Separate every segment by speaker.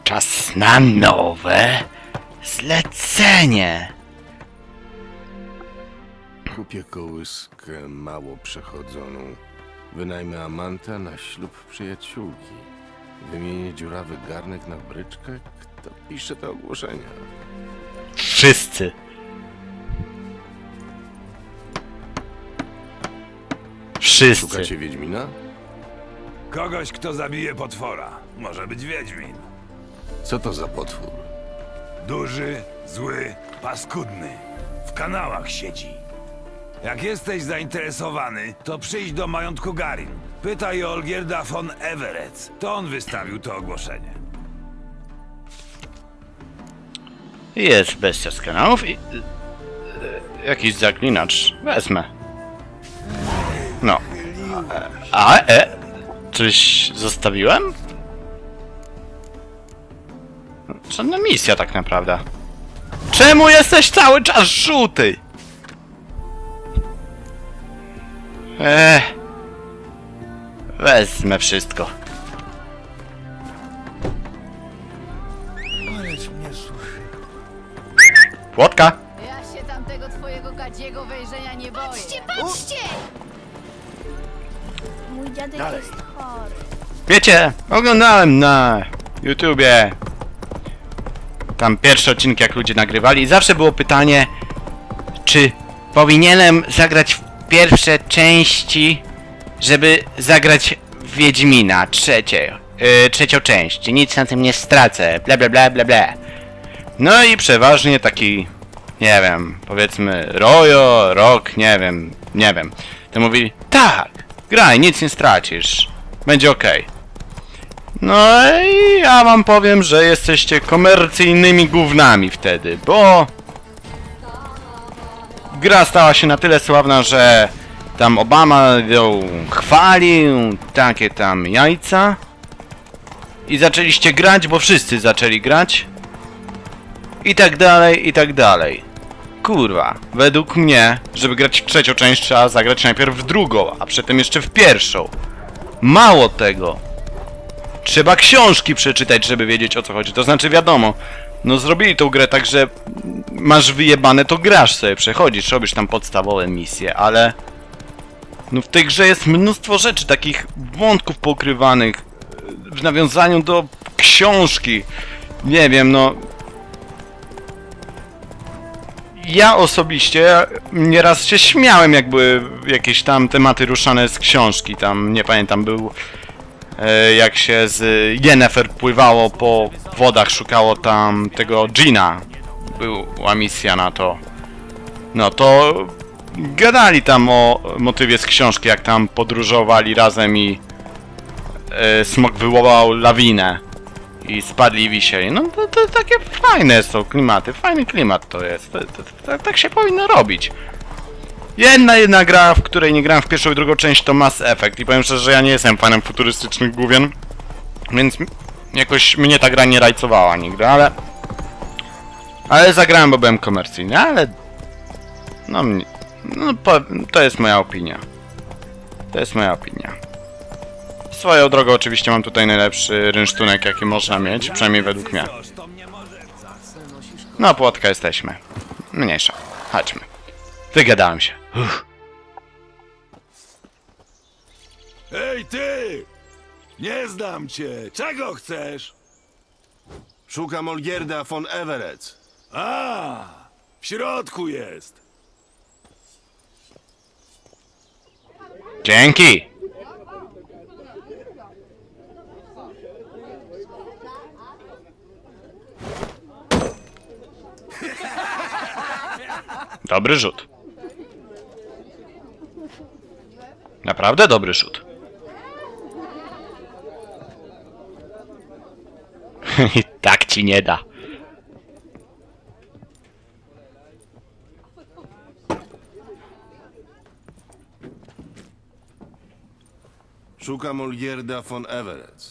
Speaker 1: Czas na nowe zlecenie.
Speaker 2: Kupię kołyskę mało przechodzoną. Wynajmę amanta na ślub przyjaciółki. Wymienię dziurawy garnek na bryczkę. Kto pisze te ogłoszenia?
Speaker 1: Wszyscy. Wszyscy.
Speaker 2: Szukacie Wiedźmina?
Speaker 3: Kogoś, kto zabije potwora. Może być Wiedźmin.
Speaker 2: Co to za potwór?
Speaker 3: Duży, zły, paskudny. W kanałach siedzi. Jak jesteś zainteresowany, to przyjdź do majątku Garin. Pytaj o Olgierda von Everec. To on wystawił to ogłoszenie.
Speaker 1: Jest bestia z kanałów i... jakiś zaklinacz. Wezmę. No. Coś zostawiłem? Żadna misja tak naprawdę. Czemu jesteś cały czas żółty? Wezmę wszystko. Płotka!
Speaker 4: Ja się tamtego twojego gadziego wejrzenia nie boję.
Speaker 5: Patrzcie, patrzcie! Mój dziadek jest chory.
Speaker 1: Wiecie, oglądałem na YouTubie tam pierwsze odcinki, jak ludzie nagrywali i zawsze było pytanie, czy powinienem zagrać w pierwsze części, żeby zagrać w Wiedźmina, trzecią część. Nic na tym nie stracę, bla bla bla bla bla. No i przeważnie taki, nie wiem, powiedzmy Rok, nie wiem. To mówili, tak, graj, nic nie stracisz, będzie okej. No i ja wam powiem, że jesteście komercyjnymi gównami wtedy, bo gra stała się na tyle sławna, że tam Obama ją chwalił, takie tam jajca i zaczęliście grać, bo wszyscy zaczęli grać i tak dalej, i tak dalej. Kurwa, według mnie, żeby grać w trzecią część, trzeba zagrać najpierw w drugą, a przedtem jeszcze w pierwszą. Mało tego, trzeba książki przeczytać, żeby wiedzieć, o co chodzi. To znaczy, wiadomo, no zrobili tą grę tak, że masz wyjebane, to grasz sobie, przechodzisz, robisz tam podstawowe misje, ale no w tej grze jest mnóstwo rzeczy, takich wątków pokrywanych w nawiązaniu do książki. Nie wiem, no... Ja osobiście nieraz się śmiałem, jak były jakieś tam tematy ruszane z książki. Tam, nie pamiętam, był... jak się z Yennefer pływało po wodach, szukało tam tego Gina. Była misja na to. No to gadali tam o motywie z książki, jak tam podróżowali razem i smok wywołał lawinę i spadli i wisieli. No to takie fajne są klimaty, fajny klimat to jest. Tak się powinno robić. Jedna gra, w której nie grałem w pierwszą i drugą część, to Mass Effect i powiem szczerze, że ja nie jestem fanem futurystycznych główien, więc jakoś mnie ta gra nie rajcowała nigdy, ale zagrałem, bo byłem komercyjny, ale to jest moja opinia. To jest moja opinia. Swoją drogą oczywiście mam tutaj najlepszy rynsztunek, jaki można mieć, przynajmniej według mnie. No, płotka jesteśmy. Mniejsza. Chodźmy. Wygadałem się.
Speaker 3: Ej, ty! Nie znam cię! Czego chcesz?
Speaker 2: Szukam Olgierda von Everec.
Speaker 3: A, w środku jest.
Speaker 1: Dzięki! Dobry rzut. Naprawdę dobry rzut. I tak ci nie da.
Speaker 2: Szukam Olgierda von Everec.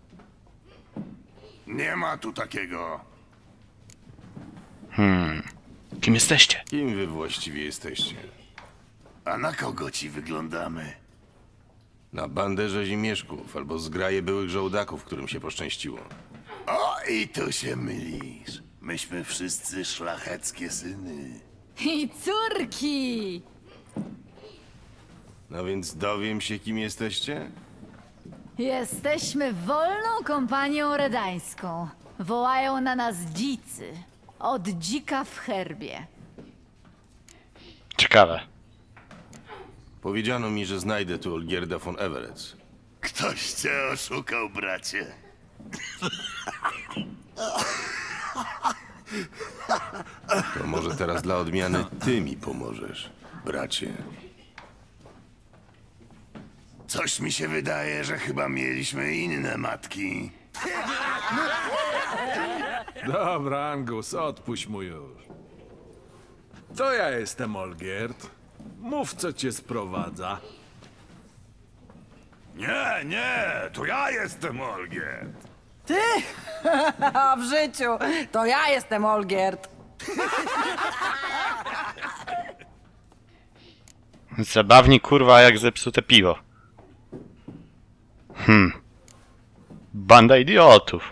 Speaker 3: Nie ma tu takiego.
Speaker 1: Kim jesteście?
Speaker 2: Kim wy właściwie jesteście?
Speaker 3: A na kogo ci wyglądamy?
Speaker 2: Na bandę rzezimieszków albo zgraje byłych żołdaków, którym się poszczęściło.
Speaker 3: Oj,
Speaker 6: I tu się mylisz. Myśmy wszyscy szlacheckie syny.
Speaker 4: I córki!
Speaker 2: No więc dowiem się, kim jesteście?
Speaker 4: Jesteśmy wolną kompanią redańską. Wołają na nas dzicy. Od dzika w herbie.
Speaker 1: Ciekawe.
Speaker 2: Powiedziano mi, że znajdę tu Olgierda von Everett.
Speaker 6: Ktoś cię oszukał, bracie.
Speaker 2: To może teraz dla odmiany ty mi pomożesz, bracie.
Speaker 6: Coś mi się wydaje, że chyba mieliśmy inne matki.
Speaker 7: Dobra, Angus, odpuść mu już. To ja jestem Olgierd. Mów, co cię sprowadza.
Speaker 3: Nie, to ja jestem Olgierd.
Speaker 8: A w życiu to ja jestem Olgierd.
Speaker 1: Zabawni kurwa jak zepsute piwo. Banda idiotów.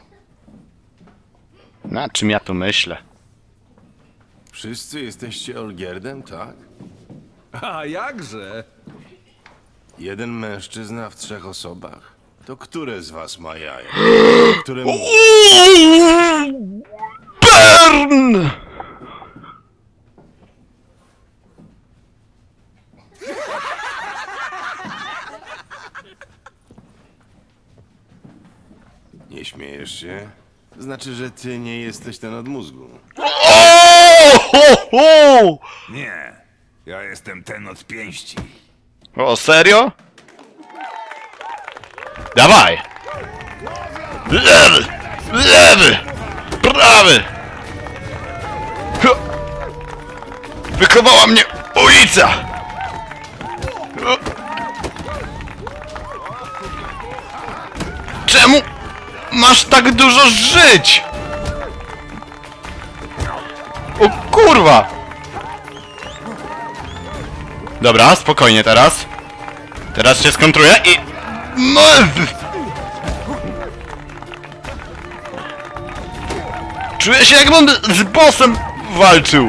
Speaker 1: Na czym ja tu myślę?
Speaker 2: Wszyscy jesteście Olgierdem, tak?
Speaker 7: A jakże?
Speaker 2: Jeden mężczyzna w 3 osobach? To które z was ma jaja? Któremu...
Speaker 1: Burn!
Speaker 2: Nie śmiejesz się? Znaczy, że ty nie jesteś ten od mózgu.
Speaker 1: O!
Speaker 3: Nie, ja jestem ten od pięści.
Speaker 1: O, serio? Dawaj! Lewy! Lewy! Prawy! Wychowała mnie ulica! Czemu masz tak dużo żyć? O kurwa! Dobra, spokojnie teraz. Teraz się skontruję i... Czuję się jakbym z bossem walczył.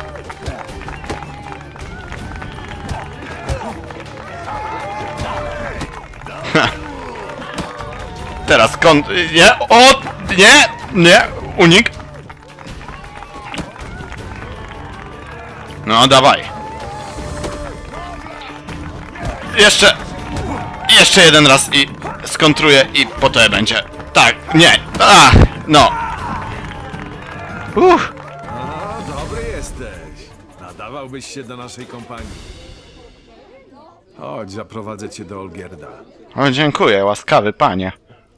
Speaker 1: Teraz nie, o, nie, unik. No, dawaj. Jeszcze jeden raz i skontruję i po to będzie. Tak, nie, no.
Speaker 7: A, dobry jesteś. Nadawałbyś się do naszej kompanii. Chodź, zaprowadzę cię do Olgierda.
Speaker 1: O, dziękuję, łaskawy panie.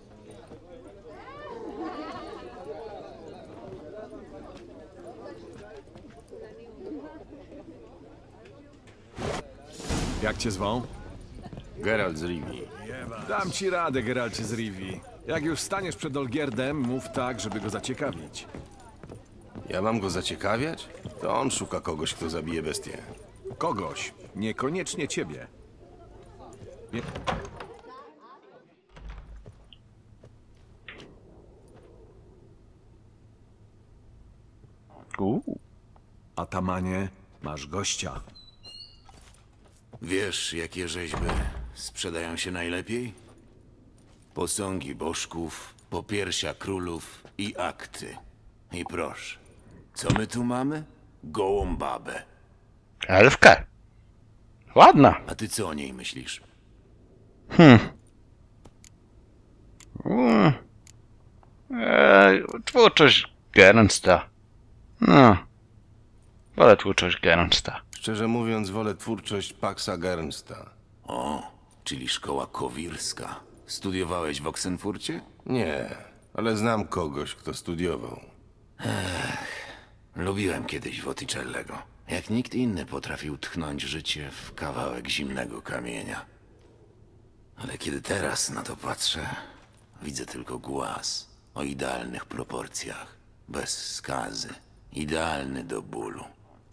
Speaker 7: Jak cię zwą?
Speaker 2: Geralt z Rivii.
Speaker 7: Dam ci radę, Geralcie z Rivii. Jak już staniesz przed Olgierdem, mów tak, żeby go zaciekawić.
Speaker 2: Ja mam go zaciekawiać? To on szuka kogoś, kto zabije bestię.
Speaker 7: Kogoś, niekoniecznie ciebie. Nie... Atamanie, masz gościa.
Speaker 6: Wiesz, jakie rzeźby sprzedają się najlepiej? Posągi bożków, popiersia królów i akty. I proszę, co my tu mamy? Gołą babę.
Speaker 1: Elfkę. Ładna.
Speaker 6: A ty co o niej myślisz?
Speaker 1: Twórczość Gernsta. No. Wolę twórczość Gernsta.
Speaker 2: Szczerze mówiąc, wolę twórczość Paxa Gernsta.
Speaker 6: O, czyli szkoła kowirska. Studiowałeś w Oksenfurcie?
Speaker 2: Nie, ale znam kogoś, kto studiował.
Speaker 6: Lubiłem kiedyś Wotticellego. Jak nikt inny potrafił tchnąć życie w kawałek zimnego kamienia. Ale kiedy teraz na to patrzę, widzę tylko głaz o idealnych proporcjach, bez skazy, idealny do bólu.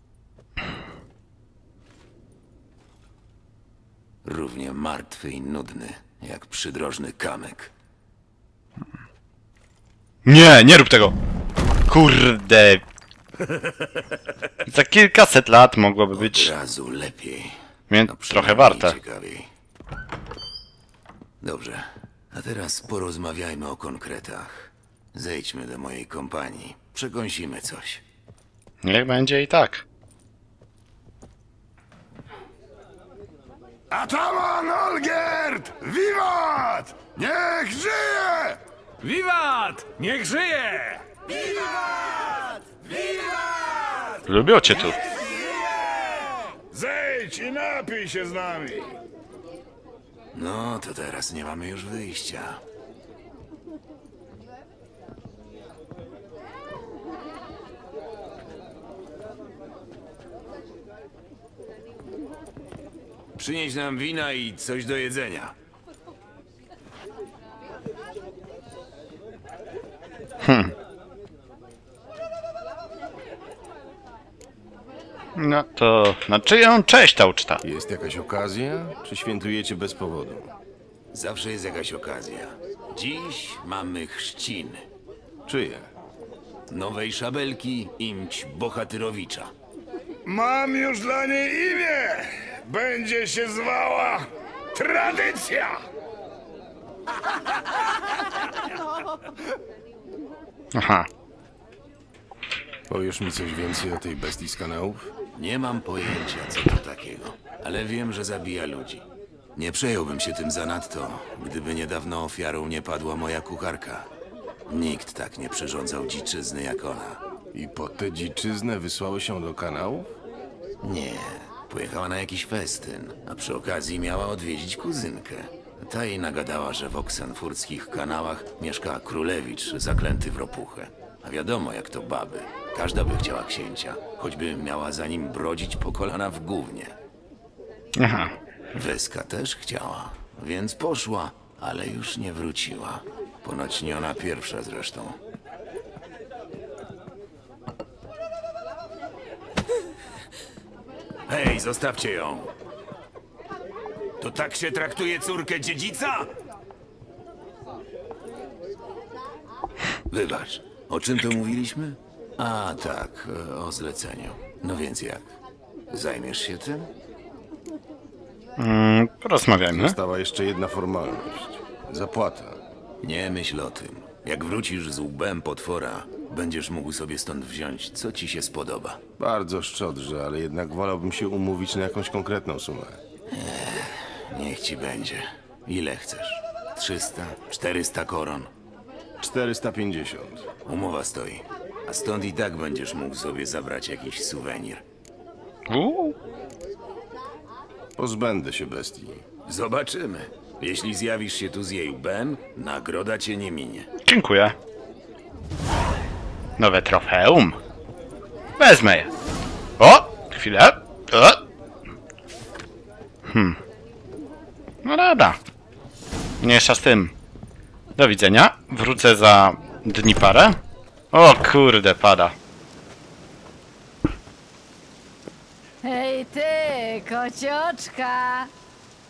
Speaker 6: Równie martwy i nudny, jak przydrożny kamyk.
Speaker 1: Nie, nie rób tego! Kurde! Za kilkaset lat mogłoby
Speaker 6: Od
Speaker 1: być
Speaker 6: razu lepiej.
Speaker 1: trochę
Speaker 6: przynajmniej
Speaker 1: warte.
Speaker 6: ciekawiej. Dobrze, a teraz porozmawiajmy o konkretach. Zejdźmy do mojej kompanii. Przekąsimy coś.
Speaker 1: Niech będzie i tak.
Speaker 3: Ataman Olgierd! Wiwat! Niech żyje!
Speaker 7: Wiwat! Niech żyje!
Speaker 1: Lubią cię tu.
Speaker 3: Zejdź i napij się z nami!
Speaker 6: No, to teraz nie mamy już wyjścia. Przynieś nam wina i coś do jedzenia.
Speaker 1: No to na czyją cześć ta uczta?
Speaker 2: Jest jakaś okazja, czy świętujecie bez powodu?
Speaker 6: Zawsze jest jakaś okazja. Dziś mamy chrzciny.
Speaker 2: Czyje?
Speaker 6: Nowej szabelki imć Bohatyrowicza.
Speaker 3: Mam już dla niej imię! Będzie się zwała Tradycja!
Speaker 1: Aha.
Speaker 2: Powiesz mi coś więcej o tej bestii z kanałów?
Speaker 6: Nie mam pojęcia, co to takiego, ale wiem, że zabija ludzi. Nie przejąłbym się tym zanadto, gdyby niedawno ofiarą nie padła moja kucharka. Nikt tak nie przyrządzał dziczyzny jak ona.
Speaker 2: I po tę dziczyznę wysłały się do kanałów?
Speaker 6: Nie, pojechała na jakiś festyn, a przy okazji miała odwiedzić kuzynkę. Ta jej nagadała, że w oksenfurckich kanałach mieszka królewicz zaklęty w ropuchę. A wiadomo, jak to baby. Każda by chciała księcia, choćby miała za nim brodzić po kolana w gównie.
Speaker 1: Aha.
Speaker 6: Weska też chciała, więc poszła, ale już nie wróciła. Ponoć nie ona pierwsza zresztą. Hej, zostawcie ją! To tak się traktuje córkę dziedzica? Wybacz, o czym to mówiliśmy? A tak, o zleceniu. No więc jak? Zajmiesz się tym?
Speaker 1: Porozmawiajmy.
Speaker 2: Została jeszcze jedna formalność. Zapłata.
Speaker 6: Nie myśl o tym. Jak wrócisz z łbem potwora, będziesz mógł sobie stąd wziąć, co ci się spodoba.
Speaker 2: Bardzo szczodrze, ale jednak wolałbym się umówić na jakąś konkretną sumę.
Speaker 6: Niech ci będzie. Ile chcesz? 300? 400 koron?
Speaker 2: 450.
Speaker 6: Umowa stoi. A stąd i tak będziesz mógł sobie zabrać jakiś suwenir.
Speaker 2: Pozbędę się bestii.
Speaker 6: Zobaczymy. Jeśli zjawisz się tu z jej łbem, nagroda cię nie minie.
Speaker 1: Dziękuję. Nowe trofeum. Wezmę je. O! Chwilę. O! No dobra. Mniejsza z tym. Do widzenia. Wrócę za dni parę. O kurde, pada.
Speaker 4: Hej ty, kocioczka!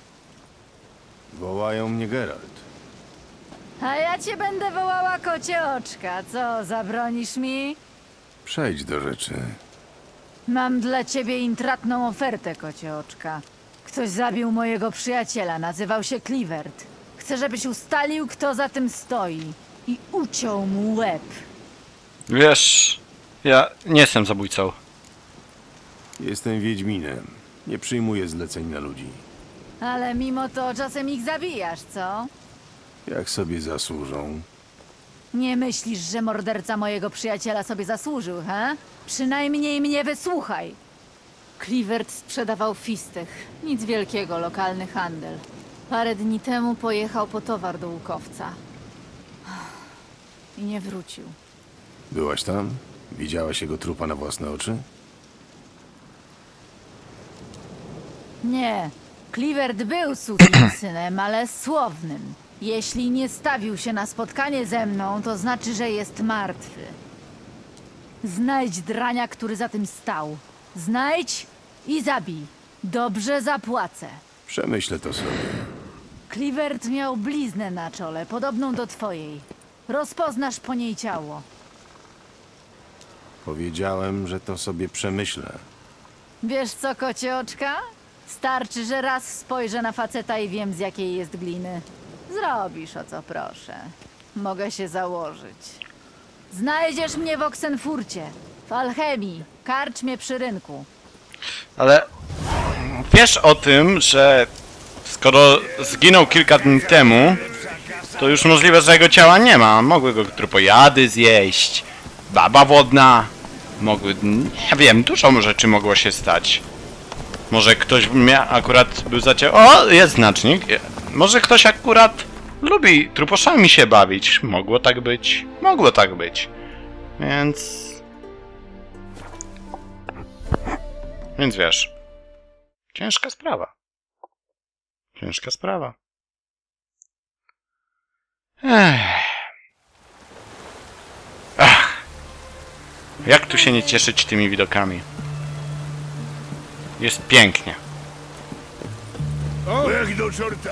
Speaker 2: Wołają mnie Geralt.
Speaker 4: A ja cię będę wołała kocioczka. Co, zabronisz mi?
Speaker 2: Przejdź do rzeczy.
Speaker 4: Mam dla ciebie intratną ofertę, kocioczka. Ktoś zabił mojego przyjaciela, nazywał się Clivert. Chcę, żebyś ustalił, kto za tym stoi. I uciął mu łeb.
Speaker 1: Wiesz, ja nie jestem zabójcą.
Speaker 2: Jestem Wiedźminem. Nie przyjmuję zleceń na ludzi.
Speaker 4: Ale mimo to czasem ich zabijasz, co?
Speaker 2: Jak sobie zasłużą.
Speaker 4: Nie myślisz, że morderca mojego przyjaciela sobie zasłużył, he? Przynajmniej mnie wysłuchaj. Clivert sprzedawał fistech. Nic wielkiego, lokalny handel. Parę dni temu pojechał po towar do łukowca. I nie wrócił.
Speaker 2: Byłaś tam? Widziałaś jego trupa na własne oczy?
Speaker 4: Nie. Clivert był sukinsynem, ale słownym. Jeśli nie stawił się na spotkanie ze mną, to znaczy, że jest martwy. Znajdź drania, który za tym stał. Znajdź i zabij. Dobrze zapłacę.
Speaker 2: Przemyślę to sobie.
Speaker 4: Clivert miał bliznę na czole, podobną do twojej. Rozpoznasz po niej ciało.
Speaker 2: Powiedziałem, że to sobie przemyślę.
Speaker 4: Wiesz co, kocie oczka? Starczy, że raz spojrzę na faceta i wiem, z jakiej jest gliny. Zrobisz, o co proszę. Mogę się założyć. Znajdziesz mnie w Oxenfurcie, w Alchemii, karczmie przy rynku.
Speaker 1: Ale wiesz o tym, że skoro zginął kilka dni temu, to już możliwe, że jego ciała nie ma. Mogły go trupojady zjeść, baba wodna, mogły... nie wiem, dużo rzeczy mogło się stać. Może ktoś akurat był o, jest znacznik. Może ktoś akurat lubi truposzami się bawić. Mogło tak być. Mogło tak być. Więc wiesz. Ciężka sprawa. Ciężka sprawa. Ach. Jak tu się nie cieszyć tymi widokami? Jest pięknie.
Speaker 3: Jak do czorta!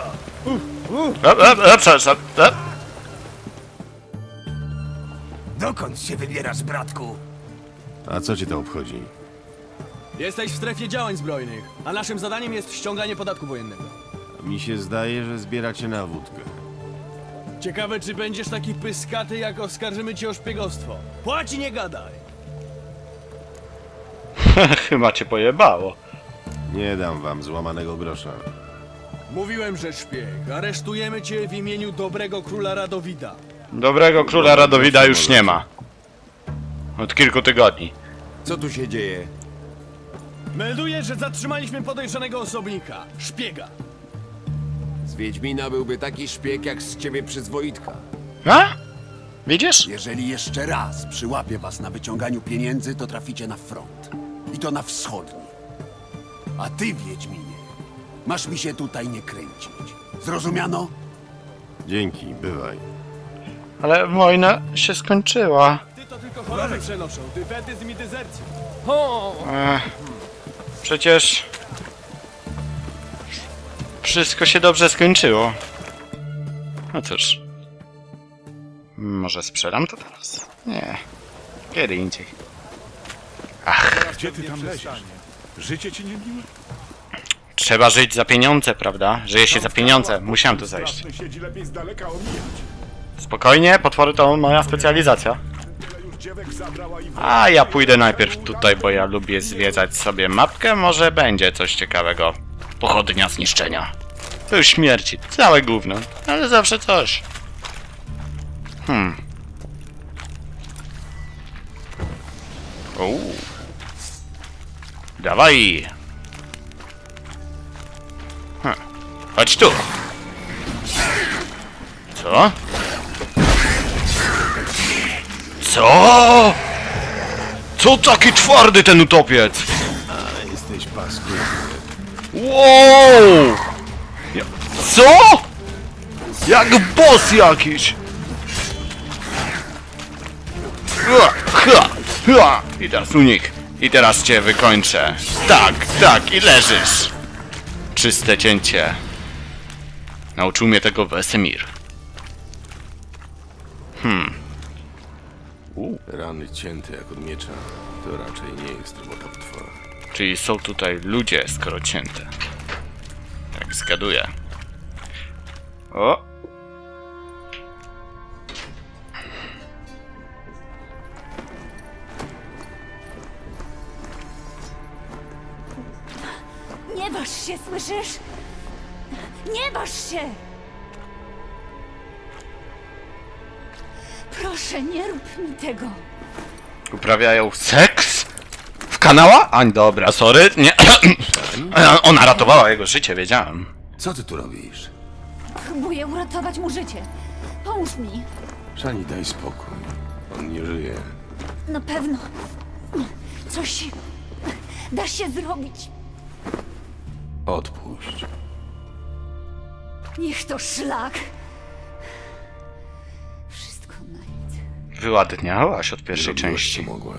Speaker 3: Dokąd się wybierasz, bratku?
Speaker 2: A co cię to obchodzi?
Speaker 9: Jesteś w strefie działań zbrojnych, a naszym zadaniem jest ściąganie podatku wojennego.
Speaker 2: Mi się zdaje, że zbieracie na wódkę.
Speaker 9: Ciekawe, czy będziesz taki pyskaty, jak oskarżymy cię o szpiegostwo. Płać i nie gadaj!
Speaker 1: Chyba cię pojebało.
Speaker 2: Nie dam wam złamanego grosza.
Speaker 9: Mówiłem, że szpieg. Aresztujemy cię w imieniu dobrego króla Radowida.
Speaker 1: Dobrego króla Radowida już nie ma. Od kilku tygodni.
Speaker 10: Co tu się dzieje?
Speaker 9: Melduję, że zatrzymaliśmy podejrzanego osobnika. Szpiega.
Speaker 10: Z Wiedźmina byłby taki szpieg jak z ciebie przyzwoitka.
Speaker 1: A? Widzisz?
Speaker 11: Jeżeli jeszcze raz przyłapię was na wyciąganiu pieniędzy, to traficie na front. I to na wschodni. A ty, Wiedźminie, masz mi się tutaj nie kręcić. Zrozumiano?
Speaker 2: Dzięki, bywaj.
Speaker 1: Ale wojna się skończyła.
Speaker 9: Ty to tylko choroby przenoszą. Dyfetyzm i dezercję.
Speaker 1: Przecież... wszystko się dobrze skończyło. No cóż. Może sprzedam to teraz? Nie. Kiedy indziej. Ach.
Speaker 3: Gdzie ty tam leziesz? Życie ci nie miłe?
Speaker 1: Trzeba żyć za pieniądze, prawda? Żyje się za pieniądze. Musiałem tu zajść.
Speaker 3: Siedzi lepiej z daleka omijać.
Speaker 1: Spokojnie, potwory to moja specjalizacja. A ja pójdę najpierw tutaj, bo ja lubię zwiedzać sobie mapkę. Może będzie coś ciekawego. Pochodnia zniszczenia. To już śmierci. Całe gówno. Ale zawsze coś. Dawaj. Chodź tu. Co? Co? Co taki twardy ten utopiec?
Speaker 2: Ale jesteś paskudny.
Speaker 1: Wow! Co? Jak boss jakiś! I teraz unik. I teraz cię wykończę. Tak, i leżysz. Czyste cięcie. Nauczył mnie tego Wesemir.
Speaker 2: Rany cięte jak od miecza. To raczej nie jest robota potwora.
Speaker 1: Czyli są tutaj ludzie, skoro cięte. Tak zgaduję. O!
Speaker 4: Nie waż się, słyszysz? Nie waż się! Proszę, nie rób mi tego.
Speaker 1: Uprawiają seks? W kanała? Ań, dobra, sorry. Nie. Ona ratowała jego życie, wiedziałem.
Speaker 11: Co ty tu robisz?
Speaker 4: Próbuję uratować mu życie. Pomóż mi.
Speaker 2: Szani, daj spokój. On nie żyje.
Speaker 4: Na pewno. Coś da się zrobić.
Speaker 2: Odpuść.
Speaker 4: Niech to szlak. Wszystko na nic.
Speaker 1: Wyładniałaś od pierwszej
Speaker 2: Zrobiłaś,
Speaker 1: części.
Speaker 2: co mogłaś.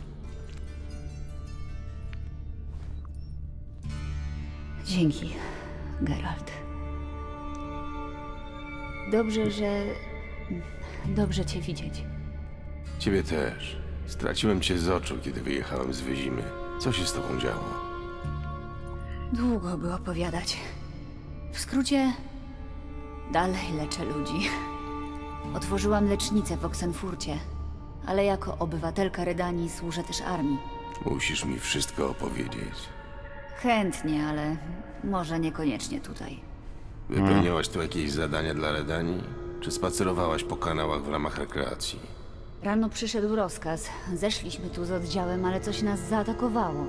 Speaker 4: Dzięki, Geralt. Dobrze, że dobrze cię widzieć.
Speaker 2: Ciebie też. Straciłem cię z oczu, kiedy wyjechałem z Wyzimy. Co się z tobą działo?
Speaker 4: Długo by opowiadać. W skrócie, dalej leczę ludzi. Otworzyłam lecznicę w Oxenfurcie, ale jako obywatelka Redanii służę też armii.
Speaker 2: Musisz mi wszystko opowiedzieć.
Speaker 4: Chętnie, ale może niekoniecznie tutaj.
Speaker 2: Wypełniałaś tu jakieś zadania dla Redanii? Czy spacerowałaś po kanałach w ramach rekreacji?
Speaker 4: Rano przyszedł rozkaz. Zeszliśmy tu z oddziałem, ale coś nas zaatakowało.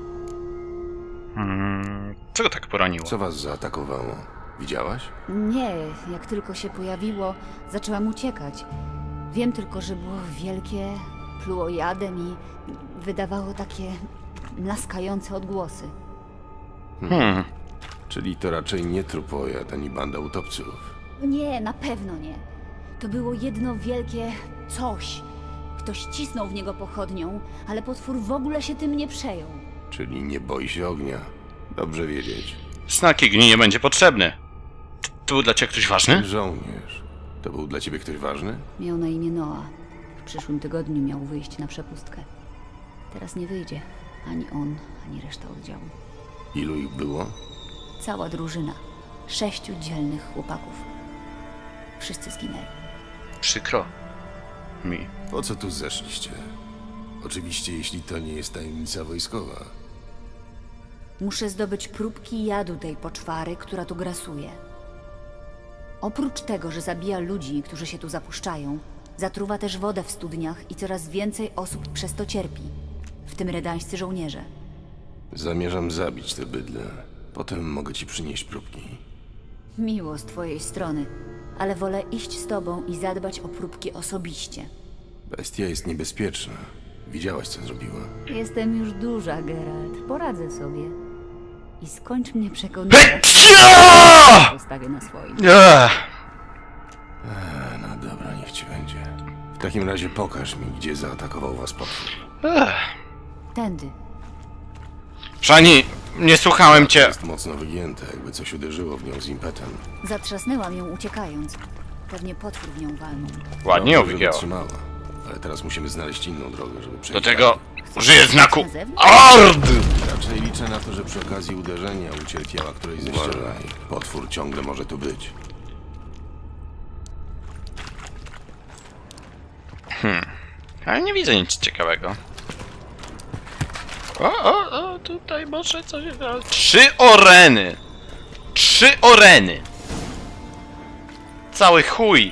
Speaker 1: Co go tak poraniło?
Speaker 2: Co was zaatakowało? Widziałaś?
Speaker 4: Nie, jak tylko się pojawiło, zaczęłam uciekać. Wiem tylko, że było wielkie, pluło jadem i wydawało takie laskające odgłosy.
Speaker 2: Czyli to raczej nie trupojad ani banda utopców.
Speaker 4: Nie, na pewno nie. To było jedno wielkie coś. Ktoś cisnął w niego pochodnią, ale potwór w ogóle się tym nie przejął.
Speaker 2: Czyli nie boi się ognia. Dobrze wiedzieć.
Speaker 1: Znak Igni nie będzie potrzebny. To był dla ciebie ktoś ważny?
Speaker 2: Żołnierz. To był dla ciebie ktoś ważny?
Speaker 4: Miał na imię Noah. W przyszłym tygodniu miał wyjść na przepustkę. Teraz nie wyjdzie. Ani on, ani reszta oddziału.
Speaker 2: Ilu ich było?
Speaker 4: Cała drużyna. 6 dzielnych chłopaków. Wszyscy zginęli.
Speaker 1: Przykro mi.
Speaker 2: Po co tu zeszliście? Oczywiście, jeśli to nie jest tajemnica wojskowa.
Speaker 4: Muszę zdobyć próbki jadu tej poczwary, która tu grasuje. Oprócz tego, że zabija ludzi, którzy się tu zapuszczają, zatruwa też wodę w studniach i coraz więcej osób przez to cierpi. W tym redańscy żołnierze.
Speaker 2: Zamierzam zabić te bydle. Potem mogę ci przynieść próbki.
Speaker 4: Miło z twojej strony, ale wolę iść z tobą i zadbać o próbki osobiście.
Speaker 2: Bestia jest niebezpieczna. Widziałaś, co zrobiła.
Speaker 4: Jestem już duża, Geralt. Poradzę sobie. I skończ mnie przekonywać. Postawię na swoim.
Speaker 2: No dobra, niech ci będzie. W takim razie pokaż mi, gdzie zaatakował was potwór.
Speaker 4: Tędy.
Speaker 1: Szani, nie słuchałem cię.
Speaker 2: Jest mocno wygięte, jakby coś uderzyło w nią z impetem.
Speaker 4: Zatrzasnęłam ją uciekając. Pewnie potwór w nią walnął.
Speaker 1: Ładnie ją
Speaker 2: Dobrze, że
Speaker 1: wygięła.
Speaker 2: wytrzymała. Ale teraz musimy znaleźć inną drogę, żeby przejść.
Speaker 1: Do tego
Speaker 2: dalej.
Speaker 1: użyję znaku ARD!
Speaker 2: Raczej liczę na to, że przy okazji uderzenia ucierpiała którejś ze ścian. Potwór ciągle może tu być.
Speaker 1: Ale nie widzę nic ciekawego. O, tutaj może coś... 3 oreny! 3 oreny! Cały chuj!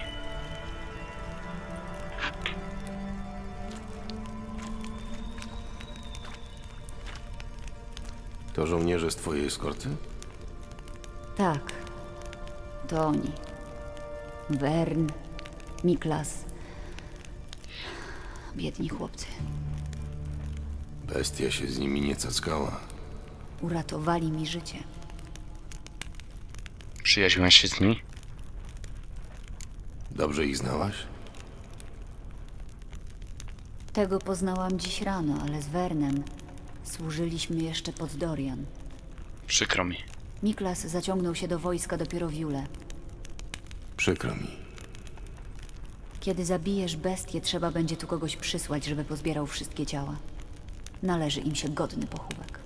Speaker 2: To żołnierze z twojej eskorty?
Speaker 4: Tak. To oni. Wern, Miklas. Biedni chłopcy.
Speaker 2: Bestia się z nimi nie cackała.
Speaker 4: Uratowali mi życie.
Speaker 1: Przyjaźniłaś się z nimi?
Speaker 2: Dobrze ich znałaś?
Speaker 4: Tego poznałam dziś rano, ale z Wernem służyliśmy jeszcze pod Dorian.
Speaker 1: Przykro mi.
Speaker 4: Miklas zaciągnął się do wojska dopiero w Jule.
Speaker 2: Przykro mi.
Speaker 4: Kiedy zabijesz bestię, trzeba będzie tu kogoś przysłać, żeby pozbierał wszystkie ciała. Należy im się godny pochówek.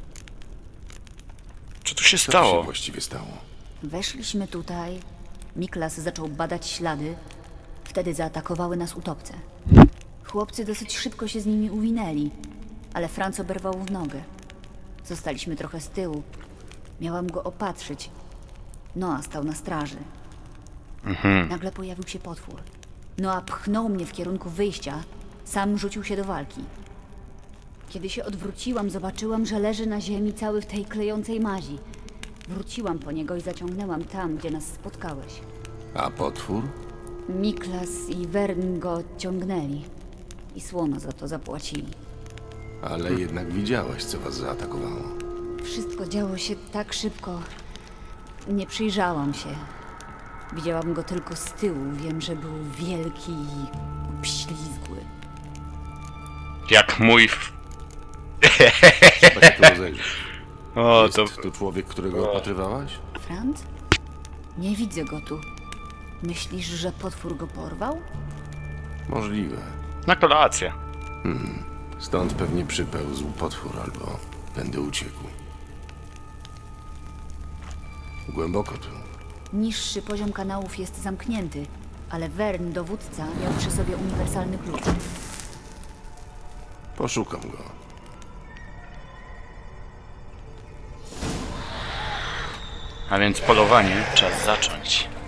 Speaker 1: Co tu się
Speaker 2: Co tu
Speaker 1: stało?
Speaker 2: się właściwie stało?
Speaker 4: Weszliśmy tutaj, Miklas zaczął badać ślady, wtedy zaatakowały nas utopce. Chłopcy dosyć szybko się z nimi uwinęli, ale Franz oberwał w nogę. Zostaliśmy trochę z tyłu. Miałam go opatrzyć. Noa stał na straży. Nagle pojawił się potwór. Noa pchnął mnie w kierunku wyjścia, sam rzucił się do walki. Kiedy się odwróciłam, zobaczyłam, że leży na ziemi cały w tej klejącej mazi. Wróciłam po niego i zaciągnęłam tam, gdzie nas spotkałeś.
Speaker 2: A potwór?
Speaker 4: Miklas i Wern go ciągnęli. I słono za to zapłacili.
Speaker 2: Ale jednak widziałaś, co was zaatakowało.
Speaker 4: Wszystko działo się tak szybko. Nie przyjrzałam się. Widziałam go tylko z tyłu. Wiem, że był wielki i obślizgły.
Speaker 1: Jak mój...
Speaker 2: Trzeba się tu rozejrzeć.
Speaker 1: O,
Speaker 2: Jest
Speaker 1: to...
Speaker 2: tu człowiek, którego opatrywałaś?
Speaker 4: Franz? Nie widzę go tu. Myślisz, że potwór go porwał?
Speaker 2: Możliwe.
Speaker 1: Na kolację.
Speaker 2: Stąd pewnie przypełzł potwór albo będę uciekł. Głęboko tu.
Speaker 12: Niższy poziom kanałów jest zamknięty, ale Wern, dowódca, miał przy sobie uniwersalny klucz.
Speaker 2: Poszukam go.
Speaker 1: A więc polowanie czas zacząć.